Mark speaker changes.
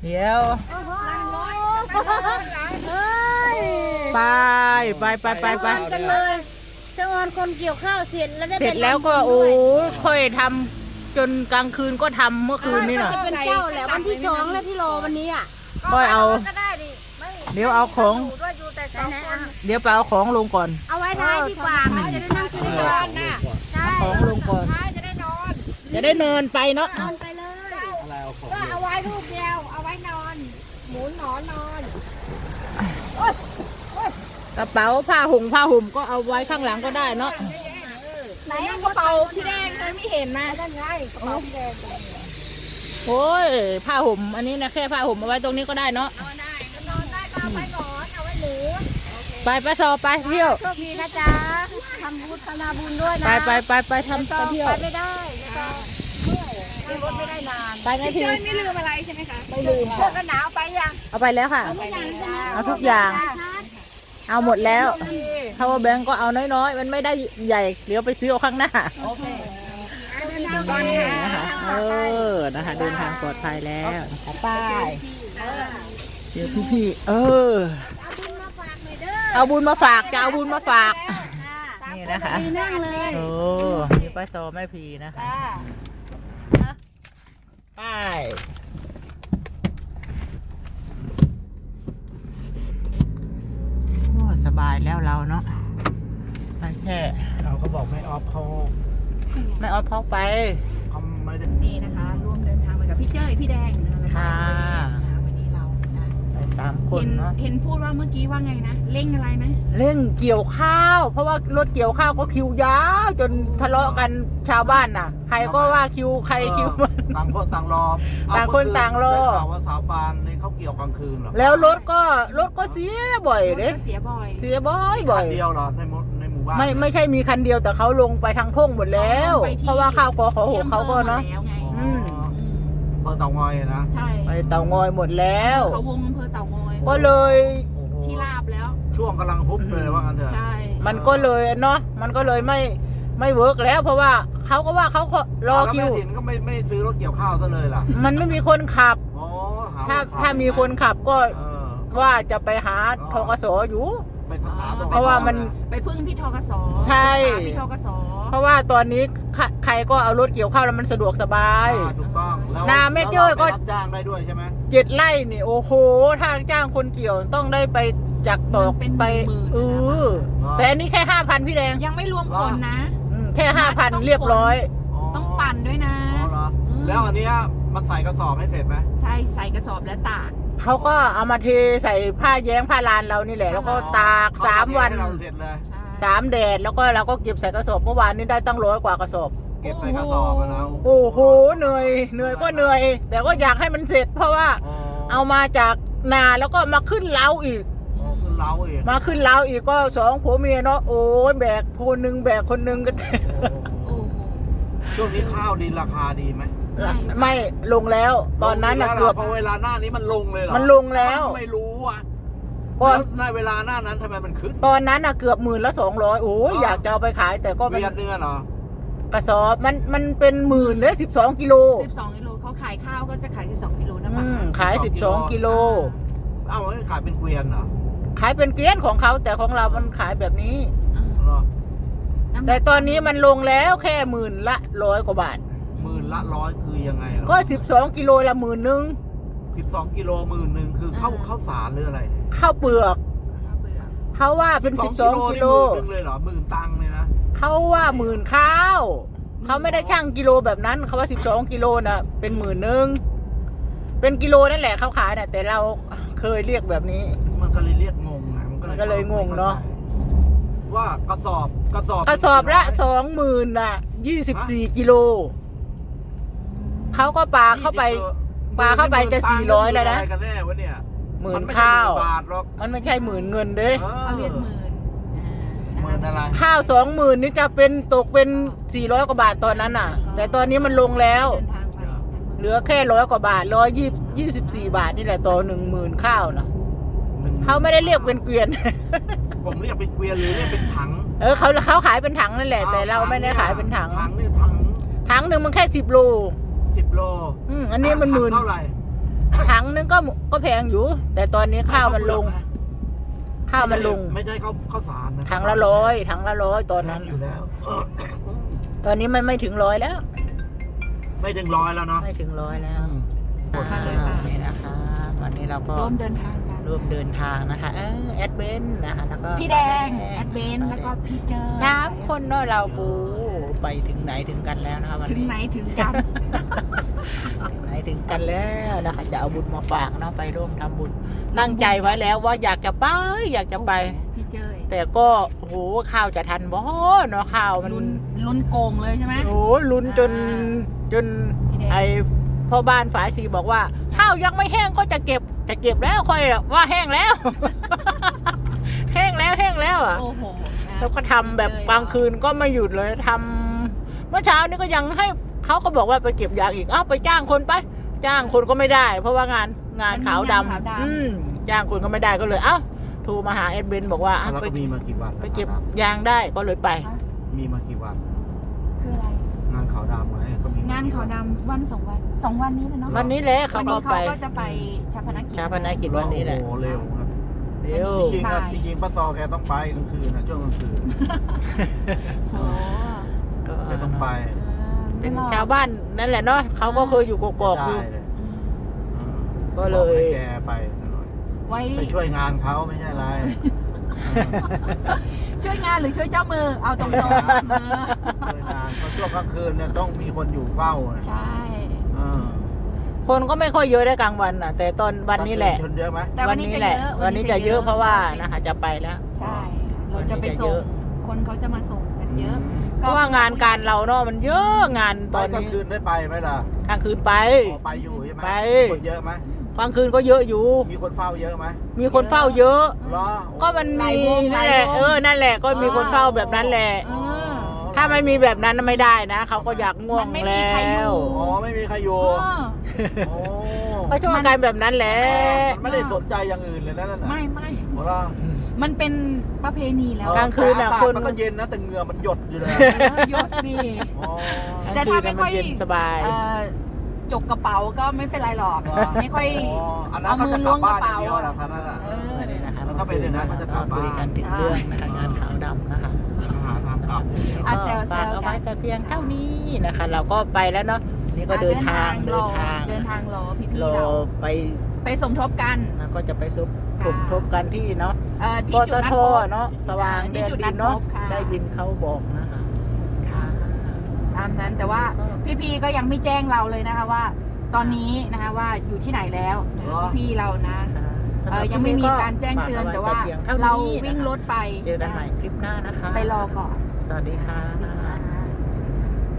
Speaker 1: เดี๋ยวไป
Speaker 2: กันเลยเจ้าออนคนเกี่ยวข้าวเสร็จแล้วได้
Speaker 1: เสร็จแล้วก็โอ้ค่อยทำจนกลางคืนก็ทำเมื่อคืนนี่น่ะ
Speaker 2: จะเป็นเจ้าแหละวันที่2แล้วที่รอวันนี้อ่ะ
Speaker 1: ค่อยเอาเดี๋ยวเอาของเดี๋ยวไปเอาของลงก่อน
Speaker 2: เอาไว้ท้ายดีกว่ามันจะได้นั่งคุยกันนะใช่
Speaker 1: เอาของลงก่อน
Speaker 2: จะได้นอน
Speaker 1: จะได้นอนไปเนาะ
Speaker 2: นอนไปเลยก็เอาไว้รูปเดียวเอาไว้นอนหมุนหนอนนอน
Speaker 1: กระเป๋าผ้าห่มก็เอาไว้ข้างหลังก็ได้เนาะ
Speaker 2: ไหนกระเป๋าพี่แดงเลยไม่เห็นมาด้านไงกระเป๋าพี่แดง
Speaker 1: โอ้ยผ้าห่มอันนี้นะแค่ผ้าห่มเอาไว้ตรงนี้ก็ได้เนาะ
Speaker 2: เอาได้นอนได้ก็เอาไว้หนอนเอาไว้หมู
Speaker 1: ไปสอบไปเที่ยว
Speaker 2: โชคดีนะจ๊ะทำบุญนาบุญด้วยนะ
Speaker 1: ไปทำไปเที่ยว
Speaker 2: ไปไม่ได้ไม่รถไม่ได้นาน
Speaker 1: ไปนะที
Speaker 2: ไม่ลืมอะไรใช่ไหมคะ
Speaker 1: ไม่ลืม
Speaker 2: เสื้อกันหนาวไปยัง
Speaker 1: เอาไปแล้วค่ะ เอาทุกอย่าง เอาหมดแล้วถ้าว่าแบงก์ก็เอาน้อยๆมันไม่ได้ใหญ่เดี๋ยวไปซื้อเอาข้างหน้า
Speaker 2: โอเค
Speaker 1: นะคะนะคะเดินทางปลอดภัยแล้วไปเดี๋ยวพี่ๆเอาบุญมาฝากจะเอาบุญมาฝากนี่นะคะ
Speaker 2: นั่งเลย
Speaker 1: โอ้มีป้าซอแม่พีนะคะไปโอ้สบายแล้วเราเนาะไปแค่
Speaker 3: เราก็บอกไม่ออฟเขา
Speaker 1: ไม่ออฟเข้าไป
Speaker 3: เขาไม่ได้
Speaker 2: นี่นะคะร่วมเดินทางไปกับพี่เจ้ยพี่แดงนะคะ
Speaker 1: ค่ะ
Speaker 2: วันนี้เรานะ
Speaker 1: ไป3 คนเนาะ
Speaker 2: เห็นพูดว่าเมื่อกี้ว่าไงนะเร่งอะไรนะ
Speaker 1: เร่งเกี่ยวข้าว เพราะว่ารถเกี่ยวข้าวก็คิวยาวจนทะเลาะกันชาวบ้านน่ะ ใครก็ว่าคิวใครคิวมัน
Speaker 3: ต่างคนต่างรอ
Speaker 1: ต่างคนต่างรอ
Speaker 3: ได้ข่าวว่าสาวปานนี่เขาเกี่ยวกลางคืนเหรอ
Speaker 1: แล้วรถก็เสียบ่อยเด้
Speaker 2: เสียบ่อย
Speaker 1: เสียบ่อย
Speaker 3: คันเดียวเหรอในหมู่บ้าน
Speaker 1: ไม่ใช่มีคันเดียวแต่เขาลงไปทางทุ่งหมดแล้ว เพราะว่าข้าวกอขอหกเขาก็เนาะ
Speaker 2: แล้วไง
Speaker 1: อืม
Speaker 3: เปิดเตางอยนะ
Speaker 2: ใช่
Speaker 1: ไปเตางอยหมดแล้ว
Speaker 2: เขาวงอำเภอเต่างอย
Speaker 1: ก็เลย
Speaker 3: โอ้โห
Speaker 2: ที่ลาบแล้ว
Speaker 3: ช่วงกำลังฮุบเลยว่างั้นเถอะ
Speaker 2: ใช่
Speaker 1: มันก็เลยเนาะมันก็เลยไม่เวิร์กแล้ว เพราะว่าเขาก็ว่าเขารอ
Speaker 3: แล้ว
Speaker 1: คิ
Speaker 3: แม่
Speaker 1: ว
Speaker 3: ถิ่นก็ไม่ซื้อรถเกี่ยวข้าวซะเลยล่ะ
Speaker 1: มันไม่มีคนขับ
Speaker 3: อ๋อห
Speaker 1: ถ้ามีคนขับก็
Speaker 3: เออ
Speaker 1: ว่าจะไปหาทกสอยู่
Speaker 3: ไปหาตง
Speaker 1: เพราะว่ามัน
Speaker 2: ไปพึ่งพี่ทกส
Speaker 1: ใช่
Speaker 2: พี่ทกส
Speaker 1: เพราะว่าตอนนี้ใครก็เอารถเกี่ยวข้าวแล้วมันสะดวกสบาย
Speaker 3: ถูกต้องแล้ว
Speaker 1: นาแม่เจ้ยก็
Speaker 3: แล้วเราไปรับจ้างได้ด้วยใช่ไหม
Speaker 1: 7 ไร่นี่โอ้โหถ้าจ้างคนเกี่ยวต้องได้ไปจากตอกไปแต่อันนี้แค่ 5,000พี่แดง
Speaker 2: ยังไม่รวมคนนะ
Speaker 1: แค่ 5,000 เรียบร้อย
Speaker 2: ต้องปั่นด้วยนะ
Speaker 3: อ๋อเหรอแล้วอันเนี้ยมันใส่กระสอบให้เสร็จไหม
Speaker 2: ใช่ใส่กระสอบและตาก
Speaker 1: เขาก็เอามาเทใส่ผ้าแย้งผ้าลานเรานี่แหละ แล้วก็ตาก
Speaker 3: เขา
Speaker 1: 3 วัน
Speaker 3: ให้เราเสร็จเลย
Speaker 2: ใช่
Speaker 1: 3 แดดแล้วก็เราก็เก็บใส่กระสอบเมื่อวานนี้ได้ตั้ง100 กว่ากระสอบ
Speaker 3: เก็บใส่กระสอบอะนะ
Speaker 1: โอ้โหเหนื่อยก็เหนื่อย แต่ก็อยากให้มันเสร็จ เพราะว่าเอามาจากนาแล้วก็มาขึ้นเล้าอีก
Speaker 3: ขึ้นเล้าอีก
Speaker 1: มาขึ้นเล้าอีกก็2 ผัวเมียเนาะโอ้ยแบกคนหนึ่งแบกคนหนึ่งก็
Speaker 2: โอ้โห
Speaker 3: ช่วงนี้ข้าวดินราคาดีไหม
Speaker 1: ไม่ลงแล้ว ตอนนั้นน่ะเกือบ
Speaker 3: พอเวลาหน้านี้มันลงเลยเหรอ
Speaker 1: มันลงแล้ว
Speaker 3: ไม่รู้อ่ะ
Speaker 1: ก็
Speaker 3: แล้วในเวลาหน้านั้นทำไมมันขึ้น
Speaker 1: ตอนนั้นน่ะเกือบ10,000 โอ้ยอยากจะเอาไปขายแต่ก็มัน
Speaker 3: เวียดเนื้อเหรอก
Speaker 1: ระสอบมันเป็น10,000เลย12 กิโล
Speaker 2: 12 กิโลเขาขายข้าวก็จะขาย12 กิโลนะ
Speaker 1: อื
Speaker 2: มั้ง
Speaker 1: มขาย12 กิโล
Speaker 3: เอ้ามันขายเป็นเกวียนเหรอ
Speaker 1: ขายเป็นเกวียนของเขาแต่ของเรามันขายแบบนี้
Speaker 3: เหรอ
Speaker 1: แต่ตอนนี้มันลงแล้วแค่10,000 ละ100 กว่าบาท
Speaker 3: 10,000 ละ 100คือยังไงเหรอ
Speaker 1: ก็12 กิโลละ10,000
Speaker 3: 12 กิโล10,000คือข้าวสารหรืออะไร
Speaker 1: ข้าวเปลือก
Speaker 2: เบื่อ
Speaker 1: เขาว่าเป็น12 กิโล
Speaker 3: นี่10,000เลยเหรอ10,000 ตังค์เลยนะ
Speaker 1: เขาว่า10,000 ข้าว เขาไม่ได้ช่างกิโลแบบนั้นเขาว่า12 กิโลน่ะเป็น10,000เป็นกิโลนั่นแหละเขาขายน่ะแต่เราเคยเรียกแบบนี้
Speaker 3: มันก็เลยเรียกงงไง
Speaker 1: มันก็เลยงงเนอะ
Speaker 3: ว่ากระสอบ
Speaker 1: กระสอบละ20,000น่ะ24 กิโลเขาก็ปาเข้าไปจะ400แล้วนะ
Speaker 3: อะไรกันแน่วะเนี่ย
Speaker 1: หมื่นข้าว
Speaker 3: มันไม่ใช่10,000 บาทหรอก
Speaker 1: มันไม่ใช่10,000 เงินเด้
Speaker 2: เขาเรียกหมื่น
Speaker 3: หมื่นอะไร
Speaker 1: ข้าว20,000นี่จะเป็นตกเป็น400 กว่าบาทตอนนั้นน่ะ แต่ตอนนี้มันลงแล้ว
Speaker 2: เดินทางไป
Speaker 1: เหลือแค่100 กว่าบาท124 บาทนี่แหละต่อ10,000 ข้าวนะเขาไม่ได้เรียกเป็นเกวียน
Speaker 3: ผมเรียกเป็นเกวียนหรือเรียกเป็นถัง
Speaker 1: เขาขายเป็นถังนั่นแหละ แต่เราไม่ได้ขายเป็นถัง
Speaker 3: ถังนี่ถัง
Speaker 1: ถังหนึ่งมันแค่10 โล
Speaker 3: 10 โล
Speaker 1: อันนี้มัน10,000
Speaker 3: เท่าไหร่
Speaker 1: ถังงนึงก็แพงอยู่ แต่ตอนนี้ข้าวมันลง ข้าวมันลง
Speaker 3: ไม่ใช่ข้าวสารนะ
Speaker 1: ถังละ100ตอนนั้น
Speaker 3: อยู่แล้ว
Speaker 1: ตอนนี้มันไม่ถึง100แล้ว
Speaker 3: ไม่ถึงร้อยแล้วเนาะ
Speaker 1: ไม่ถึง100แล้ว
Speaker 2: มาเลยค่ะ
Speaker 1: นี่นะคะ วันนี้เราก็
Speaker 2: ร่วมเดินทางกัน
Speaker 1: ร่วมเดินทางนะคะแอดเบนนะคะแล้วก็
Speaker 2: พี่แดงแอดเบนแล้วก็พี่เจอ
Speaker 1: 3 คนเนาะเราปูไปถึงไหนถึงกันแล้วนะคะวัน
Speaker 2: ถึง
Speaker 1: นี้
Speaker 2: ไหนถึงกัน
Speaker 1: ถึงไหนถึงกันแล้วนะคะจะเอาบุญมาฝากเนาะไปร่วมทำบุญตั้งใจไว้แล้วว่าอยากจะไป
Speaker 2: พี่เจย
Speaker 1: แต่ก็โอ้โหข้าวจะทันบ่เนาะข้าวมัน
Speaker 2: ลุ้นโกงเลยใช่ไหม
Speaker 1: โอ้โหลุ้นจน
Speaker 2: พี่แดง
Speaker 1: ไอพ่อบ้านฝาสีบอกว่าข้าวยังไม่แห้งก็จะเก็บแล้วค่อยว่าแห้งแล้ว แห้งแล้วอ่ะ
Speaker 2: โอ้โหนะ
Speaker 1: แล้วก็ทำแบบกลางคืนก็ไม่หยุดเลยทำเมื่อเช้านี้ก็ยังให้เขาก็บอกว่าไปเก็บยางอีกไปจ้างคนไปจ้างคนก็ไม่ได้ เพราะว่างานขาวดำจ้างคนก็ไม่ได้ก็เลยโทรมาหาเอ็ดเบนบอกว่า
Speaker 3: แล้ว
Speaker 1: ไป
Speaker 3: ก็มีมากี่วัน
Speaker 1: ไปเก็บยางได้ก็เลยไป
Speaker 3: มีมากี่วัน
Speaker 2: คืออะไร
Speaker 3: งานขาวดำไงก็มี
Speaker 2: งานขาวดำวัน2 วันนี้เลยเนาะ
Speaker 1: วันนี้แหละ
Speaker 2: วั
Speaker 1: เขา
Speaker 2: น
Speaker 1: ก็
Speaker 2: นี้
Speaker 1: ไป
Speaker 2: เขาก็จะไปชาพนักกิจ
Speaker 1: ชาพนักกิจวันนี้แหละ
Speaker 3: โอ้โหเร็วครับ
Speaker 1: เร็ว
Speaker 3: จริงๆอะจริงๆป้าตอแกต้องไปกลางคืนนะช่วงกลางคืน
Speaker 2: โอ้
Speaker 3: แกต้องไป
Speaker 1: เป็นชาวบ้านนั่นแหละเนาะเขาก็เคยอยู่กอกๆอยู่
Speaker 3: ได้เลย
Speaker 1: ก็เลย
Speaker 3: บอกให้แกไปซะหน่อย
Speaker 2: ไว้
Speaker 3: ไปช่วยงานเขาไม่ใช่อะไร
Speaker 2: ช่วยงานหรือช่วยเจ้ามือเอาตรงๆ
Speaker 3: ช่วยงานเพราะช่วงกลางคืนเนี่ยต้องมีคนอยู่เฝ้าอะ
Speaker 2: ใช่
Speaker 3: เออ
Speaker 1: คนก็ไม่ค่อยเยอะได้กลางวันน่ะ แต่ตอนวันนี้แหละ
Speaker 3: ชนเยอะไหม
Speaker 2: แต่วันนี้จะ
Speaker 1: แหละ
Speaker 2: เยอะ
Speaker 1: วันนี้จะเยอะเพราะว่านะคะจะไปแล้ว
Speaker 2: ใช่ เราจะไปส่ง คนเขาจะมาส่งกันเยอะ
Speaker 1: เพราะว่างานการเราเนาะมันเยอะงานต
Speaker 3: ต
Speaker 1: อ
Speaker 3: อน
Speaker 1: น
Speaker 3: กลาง
Speaker 1: นี้
Speaker 3: คืนได้ไปไหมล่ะ
Speaker 1: กลางคืนไป
Speaker 3: อ๋อไปอยู่ใช่ไหม
Speaker 1: ไป
Speaker 3: คนเยอะไหม
Speaker 1: กลางคืนก็เยอะอยู่
Speaker 3: มีคนเฝ้าเยอะไหม
Speaker 1: มีคนเฝ้าเยอะ
Speaker 3: เหรอ
Speaker 1: ก็มันมีนั่นแหละนั่นแหละก็มีคนเฝ้าแบบนั้นแหละ
Speaker 2: เออ
Speaker 1: ถ้าไม่มีแบบนั้นไม่ได้นะเขาก็อยากง่วง
Speaker 2: มันไม่มี
Speaker 1: แล้
Speaker 2: ใครอยู่
Speaker 1: ว
Speaker 3: อ๋อไม่มีใครอยู่
Speaker 2: เออ
Speaker 3: โอ้
Speaker 1: เขาชอบการแบบนั้นแหละ
Speaker 3: มันไม่ได้สนใจอย่างอื่นเลยนะนั่นน่ะ
Speaker 2: ไม่
Speaker 3: เหรอ
Speaker 2: มันเป็นประเพณีแล้ว
Speaker 1: กลางคืนน่ะ
Speaker 3: แต่อากาศ
Speaker 1: คน
Speaker 3: มันก็เย็นนะแต่เหงื่อมันหยดอยู่เลย
Speaker 2: ยศสิ
Speaker 3: อ๋อ
Speaker 2: แต่ถ้าไม่ค่อย
Speaker 1: กลางคืนน่ะมันเย็นสบาย
Speaker 2: จกกระเป๋าก็ไม่เป็นไรหรอก ไม่ค่อย
Speaker 3: อันนั้นเขาจะกลับบ้านอย่างเดียวเหรอครับนั่นน่ะ
Speaker 2: เออ
Speaker 1: นี่นะคะ
Speaker 3: แล้วถ้าเป็นอย่างนั้นเขาจะกลับบ้าน
Speaker 1: คุยกันติดเรื่องนะคะงานขาวดำนะคะ
Speaker 3: หาทางกลับอย่างเดียว
Speaker 2: อ่ะ
Speaker 1: ก็
Speaker 2: แซวๆ
Speaker 1: ฝากเอาไว้
Speaker 2: กัน
Speaker 1: แต่เพียงเท่านี้นะคะ เราก็ไปแล้วเนาะนี่ก็เดินทาง
Speaker 2: รอเดินทางรอพี่
Speaker 1: รอ
Speaker 2: ๆเรา
Speaker 1: ไป
Speaker 2: สมทบกัน
Speaker 1: แล้วก็จะไปซุบ
Speaker 2: ค่ะ
Speaker 1: ทบกันที่เนาะ
Speaker 2: ที่
Speaker 1: ป
Speaker 2: จุ
Speaker 1: ต
Speaker 2: ดนัด
Speaker 1: ท
Speaker 2: พบ
Speaker 1: เนาะสว่าง
Speaker 2: ที่
Speaker 1: แดน
Speaker 2: จุด
Speaker 1: ดิ
Speaker 2: นัด
Speaker 1: นเนาะ
Speaker 2: พบค่ะ
Speaker 1: ได้ยินเขาบอกนะคะค่ะ
Speaker 2: ตามนั้นแต่ว่าพี่ๆก็ยังไม่แจ้งเราเลยนะคะว่า ตอนนี้นะคะว่าอยู่ที่ไหนแล้วพี่ๆเรานะ
Speaker 1: สำหรับ
Speaker 2: ยังไม่มีการแจ้งเตือนแต่ว่า
Speaker 1: ฝกอไพียงท่
Speaker 2: เรา
Speaker 1: นี้
Speaker 2: วิ่งรถไป
Speaker 1: เจอกันใหม่คลิปหน้านะคะ
Speaker 2: ไปรอก่อน
Speaker 1: สวัสดีค่ะ
Speaker 2: ค่ะ